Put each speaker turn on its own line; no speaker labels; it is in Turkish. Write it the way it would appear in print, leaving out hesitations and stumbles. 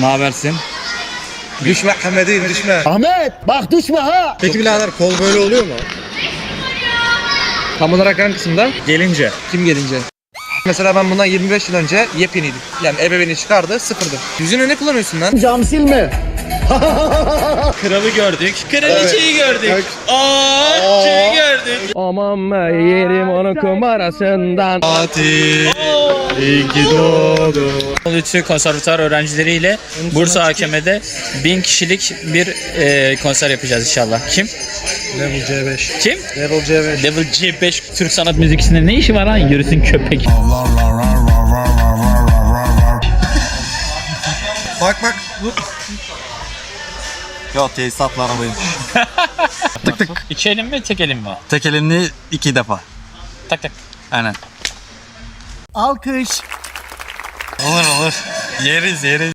Ne habersin?
Düşme Ahmet'im düşme.
Ahmet bak düşme ha.
Peki birader kol böyle oluyor mu? Tam olarak hangi kısımda?
Gelince.
Kim gelince? Mesela ben bundan 25 yıl önce yepyeniydim. Yani ebeveyni çıkardı, sıfırdı. Yüzüne ne kullanıyorsun lan?
Cam silme.
Kralı gördük. Kraliçeyi gördük. Kimi gördük?
Aman be yerim onun kumarasından.
Fatih. İyi ki doğdu. Lütfü konservatuar öğrencileriyle Bursa AKM'de 1000 kişilik bir konser yapacağız inşallah. Kim?
Level C5.
Kim?
Level C5.
Level C5 Türk sanat müziğinde ne işi var lan? Yürüsün köpek.
Bak.
Yo tesisatlarındayım. Tık tık.
İki elim mi tek elim mi?
Tek elini 2 defa.
Tak tak.
Aynen.
Alkış.
Olur. Yeriz.